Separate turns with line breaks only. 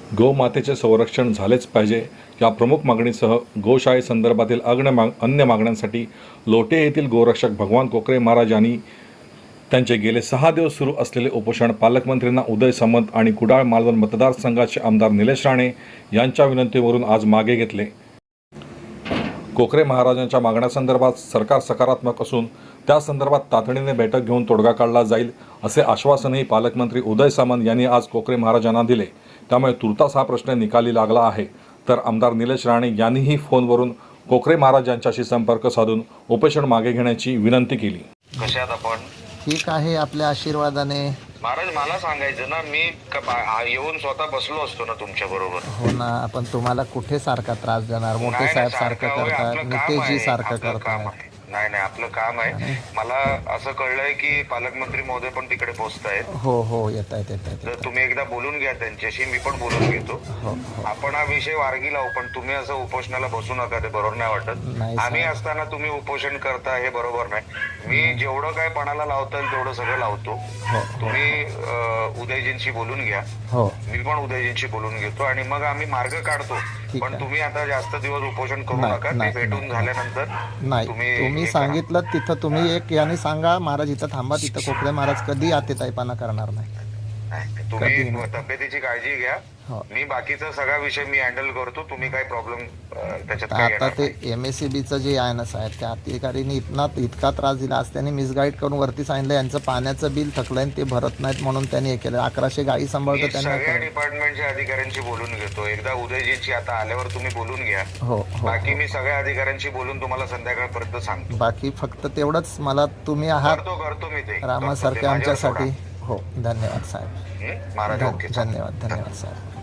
गोमातेचे संरक्षण झालेच पाहिजे या प्रमुख मागणीसह गोशाळेसंदर्भातील अन्य मागण्यांसाठी लोटे येथील गोरक्षक भगवान कोकरे महाराज यांनी त्यांचे गेले 6 दिवस सुरू असलेले उपोषण पालकमंत्र्यांना उदय सामंत आणि कुडाळ मालवण मतदारसंघाचे आमदार निलेश राणे यांच्या विनंतीवरून आज मागे घेतले। कोकरे महाराजांच्या मागण्यासंदर्भात सरकार सकारात्मक असून त्या संदर्भात तातडीने बैठक घेऊन तोडगा काढला जाईल असे आश्वासनही पालकमंत्री उदय सामंत यांनी आज कोकरे महाराजांना दिले। त्यामुळे तुर्तास हा प्रश्न निकाली लागला आहे। तर आमदार निलेश राणे यांनीही फोनवरून कोकरे महाराज यांच्याशी संपर्क साधून उपोषण मागे घेण्याची विनंती केली।
कशात आपण
ठीक आहे, आपल्या आशीर्वादाने।
महाराज मला सांगायचं ना, मी येऊन स्वतः बसलो असतो ना तुमच्या बरोबर।
हो ना, आपण तुम्हाला कुठे सारखा त्रास देणार? मोठे साहेब सारखं करतात, नितेशजी सारखं करतात।
नाही नाही, आपलं काम आहे। मला असं कळलंय की पालकमंत्री महोदय पण तिकडे पोहोचतायत।
हो हो, येत आहेत येत आहेत।
तर तुम्ही एकदा बोलून घ्या त्यांच्याशी, मी पण बोलून घेतो।
हो
आपण हा विषय वारगी लावू, पण तुम्ही असं उपोषणाला बसू नका, ते बरोबर नाही वाटत। आम्ही असताना तुम्ही उपोषण करता हे बरोबर नाही। मी जेवढं काय पणाला लावता येईल तेवढं सगळं लावतो। तुम्ही उदयजींशी बोलून घ्या, मी पण उदयजींशी बोलून घेतो आणि मग आम्ही मार्ग काढतो। पण तुम्ही आता जास्त दिवस उपोषण करू नका, ते भेटून झाल्यानंतर
नाही। तुम्ही सांगितलं तिथं तुम्ही एक याने सांगा, महाराज इथं थांबा, तिथं कोकरे महाराज कधी आतेताईपणा करणार नाही।
तुम्ही तब्येतीची काळजी घ्या, मी बाकीचा सगळा विषय मी हँडल करतो। तुम्ही काय प्रॉब्लेम त्याच्यात
आता ते MSEBचं जे आहे ना साहेब, त्या अधिकाऱ्यांनी इतका त्रास दिला, आज त्यांनी मिसगाईड करून वरती सांगितलं यांचं पाण्याचं बिल थकलंय ते भरत नाहीत म्हणून त्यांनी हे केलं। 1100 गाई सांभाळतो त्यांनी।
सगळ्या डिपार्टमेंटच्या अधिकाऱ्यांशी बोलून घेतो, एकदा उदयजींची आता आल्यावर तुम्ही बोलून घ्या।
हो
बाकी मी सगळ्या अधिकाऱ्यांशी बोलून तुम्हाला संध्याकाळपर्यंत सांगतो।
बाकी फक्त तेवढंच मला तुम्ही आहात
करतो मी ते
रामासारखे आमच्यासाठी। हो, धन्यवाद साहेब।
महाराज,
धन्यवाद साहेब।